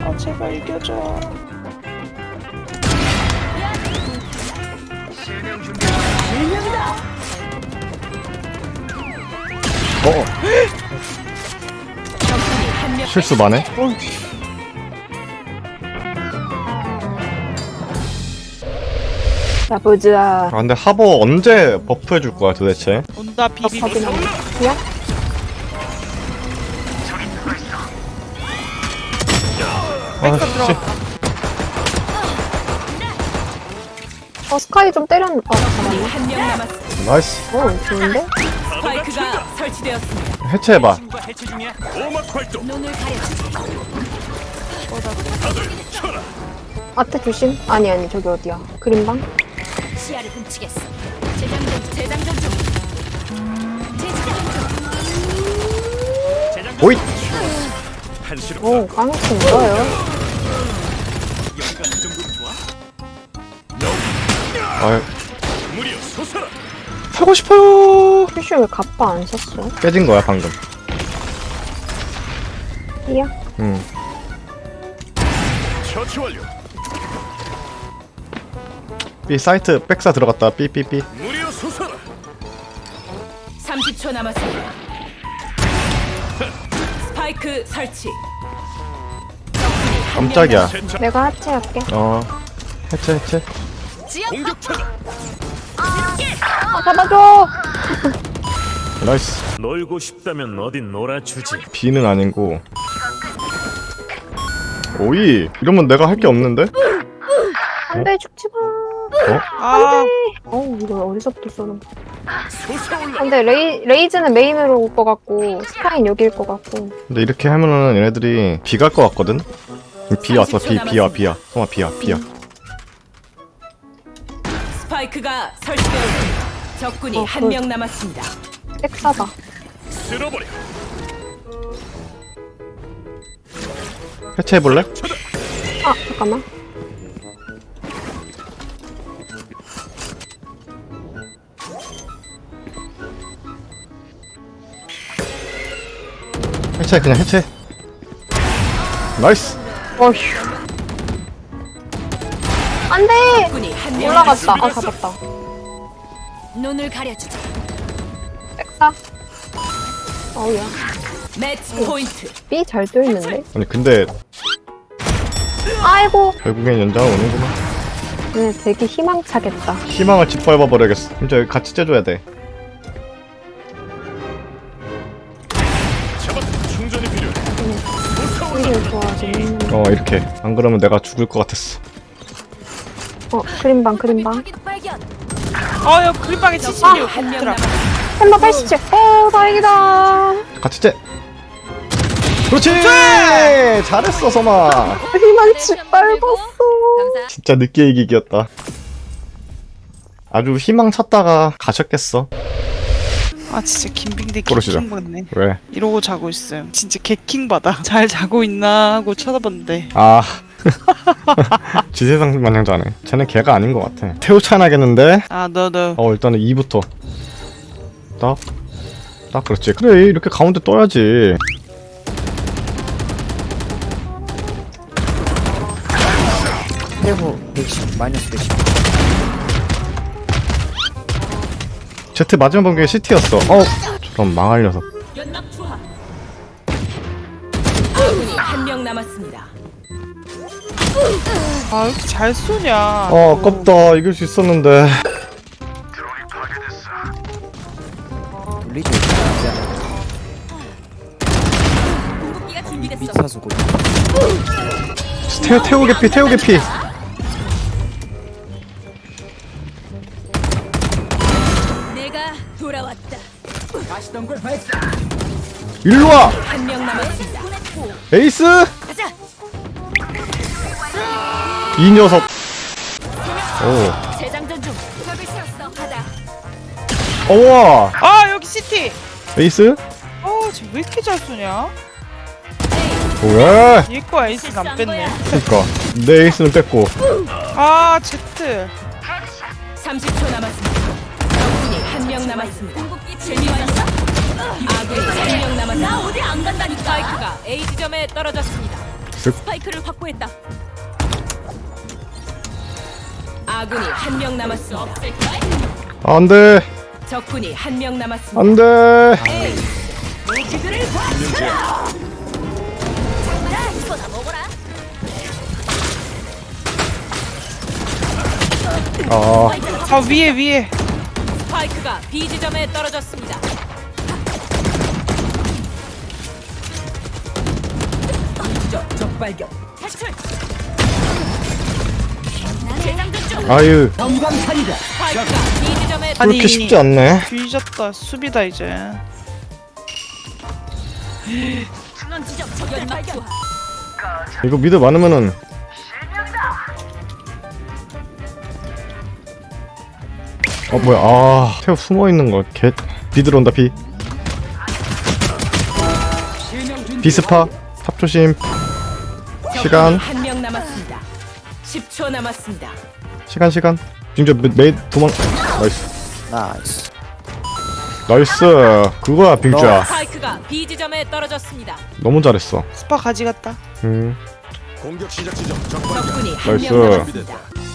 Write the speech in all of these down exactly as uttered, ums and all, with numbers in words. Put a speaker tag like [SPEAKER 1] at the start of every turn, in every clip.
[SPEAKER 1] 아 제발 이겨줘.
[SPEAKER 2] 어. 실수 많네.
[SPEAKER 3] 자 보자.
[SPEAKER 2] 아 근데 하버 언제 버프 해줄 거야 도대체?
[SPEAKER 1] 온다 비비.
[SPEAKER 3] 확인하면 야?
[SPEAKER 2] 아 씨.
[SPEAKER 3] 어 스카이 좀 때렸. 어 잠깐만.
[SPEAKER 4] 한명 남았습니다.
[SPEAKER 2] 나이스.
[SPEAKER 3] 어 좋은데?
[SPEAKER 4] 스파이크가 설치되었습니다.
[SPEAKER 2] 해체해봐.
[SPEAKER 4] 눈을 가려주지.
[SPEAKER 3] 아트 조심. 아니 아니 저기 어디야? 그린방?
[SPEAKER 4] 시야를 훔치겠어. 재장전 재장전 중. 재장전 중.
[SPEAKER 2] 오이.
[SPEAKER 3] 오 깡총 좋아요.
[SPEAKER 2] 아. 하고 싶어요.
[SPEAKER 3] 슈슈 왜 갑바 안 썼어?
[SPEAKER 2] 깨진 거야 방금.
[SPEAKER 3] 이야?
[SPEAKER 2] 응.
[SPEAKER 5] 처치 완료.
[SPEAKER 2] B 사이트 백사 들어갔다. B B B.
[SPEAKER 5] 무리여 솟아라.
[SPEAKER 4] 삼십 초 남았습니다. 스파이크 설치. 적군이 한 명
[SPEAKER 2] 깜짝이야.
[SPEAKER 4] 남았습니다.
[SPEAKER 3] 내가 하체할게.
[SPEAKER 2] 어. 해체 해체.
[SPEAKER 5] 공격차다.
[SPEAKER 3] 아 잡아줘.
[SPEAKER 2] 나이스.
[SPEAKER 5] 놀고 싶다면 어딘 놀아주지.
[SPEAKER 2] B는 아니고. 오이. 이러면 내가 할 게 없는데?
[SPEAKER 3] 안돼 죽지 마.
[SPEAKER 2] 어?
[SPEAKER 1] 아
[SPEAKER 3] 어우 이거 어디서부터 쏘는 거야?
[SPEAKER 5] 솟아올라.
[SPEAKER 3] 근데 레이, 레이즈는 메인으로 올 것 같고 스카이는 여기일 것 같고.
[SPEAKER 2] 근데 이렇게 하면은 얘네들이 B 갈 것 같거든? B 왔어. B B야 B야. 성아 B야 B야.
[SPEAKER 4] 스파이크가 설치되었습니다. 적군이
[SPEAKER 3] 어,
[SPEAKER 4] 한 명 남았습니다.
[SPEAKER 3] 백사다.
[SPEAKER 5] 쓸어버려.
[SPEAKER 2] 해체해볼래?
[SPEAKER 3] 아 잠깐만.
[SPEAKER 2] 해체 그냥 해체. 나이스.
[SPEAKER 3] 어휴. 안돼.
[SPEAKER 4] 적군이 한 명
[SPEAKER 3] 올라갔다. 아 잡았다.
[SPEAKER 4] 눈을 가려주지.
[SPEAKER 3] 백사. 어우야.
[SPEAKER 4] 매치 포인트.
[SPEAKER 3] B 잘 뚫는데?
[SPEAKER 2] 아니 근데
[SPEAKER 3] 아이고.
[SPEAKER 2] 결국엔 연장을 오는구나.
[SPEAKER 3] 얘네 되게 희망차겠다.
[SPEAKER 2] 희망을 짓밟아버려야겠어. 진짜 여기 같이 째줘야 돼.
[SPEAKER 5] 잡았다. 충전이 필요해.
[SPEAKER 3] 이게 좋아지는.
[SPEAKER 2] 어 이렇게. 안 그러면 내가 죽을 것 같았어.
[SPEAKER 3] 어 그린방 그린방.
[SPEAKER 4] 발견.
[SPEAKER 1] 어여 그립방에 칠십육.
[SPEAKER 4] 한 명
[SPEAKER 1] 들어.
[SPEAKER 4] 남았습니다.
[SPEAKER 3] 햄버 팔십칠. 어 다행이다.
[SPEAKER 2] 같이 째. 그렇지! 잘했어 섬아.
[SPEAKER 3] 희망 짓밟았어.
[SPEAKER 2] 진짜 늦게 이기기였다. 아주 희망 찾다가 가셨겠어.
[SPEAKER 1] 아 진짜 김빙대
[SPEAKER 2] 그러시죠.
[SPEAKER 1] 개킹 받네.
[SPEAKER 2] 왜?
[SPEAKER 1] 이러고 자고 있어요. 진짜 개킹 받아. 잘 자고 있나 하고 쳐다봤는데.
[SPEAKER 2] 아 지세상 마냥 자네. 쟤네 걔가 아닌 것 같아. 태우찬하겠는데?
[SPEAKER 1] 아 너 너.
[SPEAKER 2] 어 일단은 이부터 딱? 딱 그렇지. 그래 이렇게 가운데 떠야지.
[SPEAKER 6] 세후 백십 마이너스 백십.
[SPEAKER 2] 제트 마지막 번개가 시티였어. 어 저런 망할 녀석.
[SPEAKER 4] 연막 투하. 아군이 한 명 남았습니다.
[SPEAKER 1] 아 왜 이렇게 잘 쏘냐.
[SPEAKER 2] 어 아깝다. 이길 수 있었는데.
[SPEAKER 6] 돌리죠.
[SPEAKER 4] 궁극기가 준비됐어.
[SPEAKER 6] 미차수고.
[SPEAKER 2] 태우 태우 개피 태우 개피.
[SPEAKER 4] 내가 돌아왔다.
[SPEAKER 2] 일로 와.
[SPEAKER 4] 한 명 남았습니다.
[SPEAKER 2] 에이스.
[SPEAKER 4] 가자.
[SPEAKER 2] 이 녀석. 오.
[SPEAKER 4] 재장전 중. 적을 세웠어. 가자.
[SPEAKER 2] 어와.
[SPEAKER 1] 아 여기 시티.
[SPEAKER 2] 에이스.
[SPEAKER 1] 어쟤왜 이렇게 잘 쏘냐.
[SPEAKER 2] 왜?
[SPEAKER 1] 얘거 에이스 안 뺐네.
[SPEAKER 2] 그니까 내 에이스는 뺐고.
[SPEAKER 1] 아 제트.
[SPEAKER 4] 삼십 초 남았습니다. 적군이 한 명 남았습니다. 궁극기 재미있어? 아군이 한 명 남았습니다. 나 어디 안 간다니까. 스파이크가 A 지점에 떨어졌습니다. 스파이크를 확보했다. 아군이 한 명 남았습니다.
[SPEAKER 2] 안돼
[SPEAKER 4] 적군이 한 명 남았습니다.
[SPEAKER 2] 안돼.
[SPEAKER 4] 무기들을 받쳐라. 자, 이거나 먹어라.
[SPEAKER 2] 아
[SPEAKER 1] 아 위에 위에.
[SPEAKER 4] 스파이크가 B 지점에 떨어졌습니다. 적, 적 발견. 탈출. 재장전 중.
[SPEAKER 2] 아유
[SPEAKER 4] 전광판이다. 스파이크가 B 지점에
[SPEAKER 1] 아니,
[SPEAKER 2] 그렇게 쉽지 않네.
[SPEAKER 1] 뒤졌다. 수비다 이제.
[SPEAKER 4] 중앙 지점 적 연막 투하.
[SPEAKER 2] 이거 미드 많으면은 어 뭐야 아 태우 숨어있는 거개 비들 온다 비 비스파 탑 조심. 시간.
[SPEAKER 4] 한 명 남았습니다. 십 초 남았습니다.
[SPEAKER 2] 시간 시간 빙조 메이 도망. 나이스
[SPEAKER 6] 나이스.
[SPEAKER 2] 나이스 그거야 빙주야.
[SPEAKER 4] 스파이크가 B 지점에 떨어졌습니다.
[SPEAKER 2] 너무 잘했어.
[SPEAKER 1] 스파 가지 같다.
[SPEAKER 2] 음
[SPEAKER 5] 공격 시작 지점 적발견.
[SPEAKER 4] 적군이 한
[SPEAKER 2] 나이스.
[SPEAKER 4] 명 남았습니다.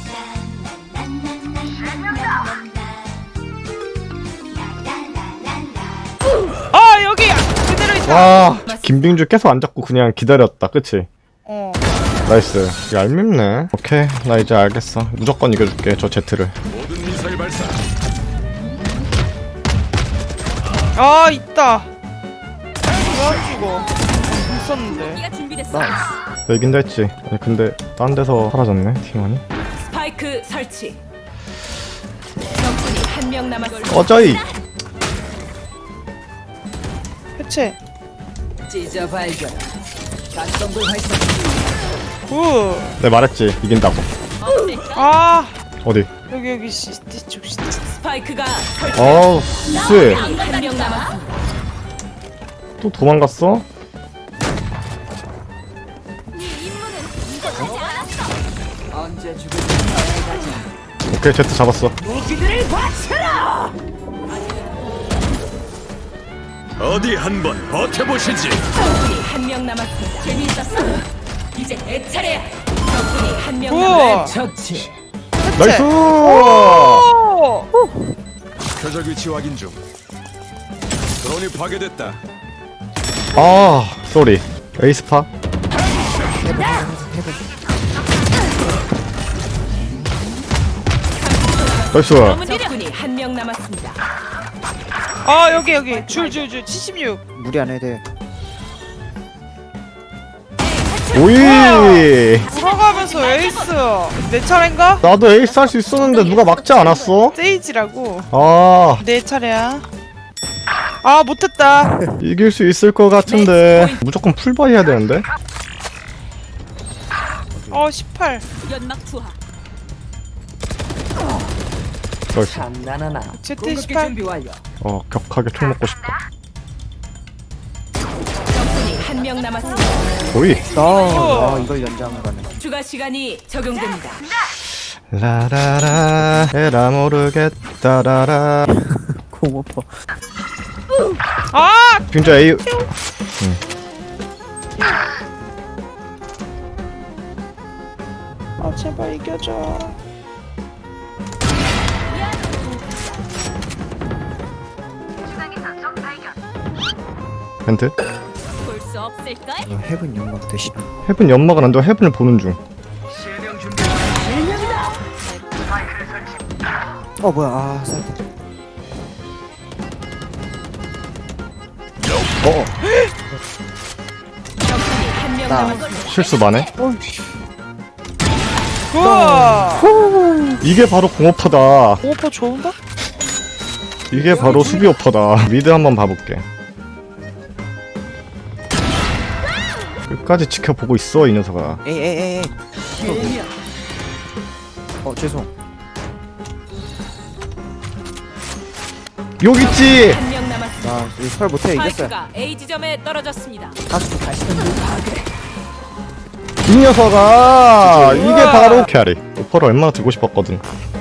[SPEAKER 1] 아 여기 그대로 있다.
[SPEAKER 2] 와 김빙주 계속 안 잡고 그냥 기다렸다 그치?
[SPEAKER 1] 어.
[SPEAKER 2] 나이스. 얄밉네. 오케이 나 이제 알겠어. 무조건 이겨줄게 저 제트를.
[SPEAKER 5] 모든 미사일 발사.
[SPEAKER 1] 아 있다. 왜안 죽어? 있었는데.
[SPEAKER 4] 기가 준비됐어.
[SPEAKER 6] 나이스.
[SPEAKER 2] 나 이긴다 했지. 아니 근데 딴 데서 사라졌네 팀원이.
[SPEAKER 4] 스파이크 설치. 적군이 한 명 남았습니다.
[SPEAKER 2] 어쩌이.
[SPEAKER 1] 해체.
[SPEAKER 4] 찢어 발견. 가성불 발사.
[SPEAKER 1] 굿.
[SPEAKER 2] 내가 말했지 이긴다고.
[SPEAKER 1] 아
[SPEAKER 2] 어디?
[SPEAKER 1] 여기 여기 시티 쪽 시티.
[SPEAKER 4] 스파이크가 설치.
[SPEAKER 2] 어우 쎄.
[SPEAKER 4] 한 명 남았습니다.
[SPEAKER 2] 또 도망갔어?
[SPEAKER 4] 언제 죽을
[SPEAKER 2] 오케이 제트 잡았어.
[SPEAKER 4] 무기들을 바쳐라.
[SPEAKER 5] 어디 한번 버텨보시지.
[SPEAKER 4] 적군이 한 명 남았습니다. 재미있었어. 이제 내 차례야. 적군이 한 명
[SPEAKER 1] 우와.
[SPEAKER 4] 남았습니다. 처치.
[SPEAKER 2] 나이스.
[SPEAKER 1] 오.
[SPEAKER 5] 표적 위치 확인 중. 드론이 파괴됐다.
[SPEAKER 2] 아 쏘리. 에이스파. 나이스.
[SPEAKER 4] 적군이 한 명 남았습니다.
[SPEAKER 1] 아 여기 여기 줄 줄 줄 칠십육.
[SPEAKER 6] 무리 안 해도 돼.
[SPEAKER 2] 오이.
[SPEAKER 1] 돌아가면서 에이스. 내 차례인가?
[SPEAKER 2] 나도 에이스 할 수 있었는데 누가 막지 않았어?
[SPEAKER 1] 세이지라고.
[SPEAKER 2] 아
[SPEAKER 1] 내 차례야. 아 못했다.
[SPEAKER 2] 이길 수 있을 것 같은데 무조건 풀바이 해야 되는데.
[SPEAKER 1] 어 십팔.
[SPEAKER 4] 연막 투하.
[SPEAKER 2] 나이스.
[SPEAKER 4] 장난하나.
[SPEAKER 1] 제트 십팔.
[SPEAKER 4] 완료.
[SPEAKER 2] 어 격하게 총 먹고 싶다.
[SPEAKER 4] 적군이 한 명 남았습니다.
[SPEAKER 2] 오이.
[SPEAKER 6] 아, 아 이걸 연장을 가네.
[SPEAKER 4] 추가 시간이 적용됩니다.
[SPEAKER 2] 라라라 에라 모르겠다라라.
[SPEAKER 6] 공오퍼.
[SPEAKER 1] 아
[SPEAKER 2] 빙자 A.
[SPEAKER 1] 아 제발 이겨줘.
[SPEAKER 2] 벤트.
[SPEAKER 4] 볼 수 없을까?
[SPEAKER 6] 이거 헤븐 연막 대신.
[SPEAKER 2] 헤븐 연막은 안 돼. 헤븐을 보는 중.
[SPEAKER 6] 어 뭐야 아 살짝.
[SPEAKER 2] 어
[SPEAKER 4] 적군이 한 명
[SPEAKER 6] 나.
[SPEAKER 4] 남았습니다.
[SPEAKER 2] 실수 많네.
[SPEAKER 1] 우와.
[SPEAKER 2] 이게 바로 공오퍼다.
[SPEAKER 1] 오퍼 좋은가?
[SPEAKER 2] 이게 바로 수비 오퍼다. 미드 한번 봐볼게. 끝까지 지켜보고 있어 이 녀석아.
[SPEAKER 6] 에이 에이 에이. 에이. 어 죄송.
[SPEAKER 2] 여기 있지.
[SPEAKER 4] 한 명 남았습니다.
[SPEAKER 6] 나 이거 설 못해 이겼어요.
[SPEAKER 4] 스파이크가 A 지점에 떨어졌습니다.
[SPEAKER 6] 다시 다시 던져.
[SPEAKER 2] 이 녀석아. 이게 바로 캐리. 오퍼를 얼마나 들고 싶었거든.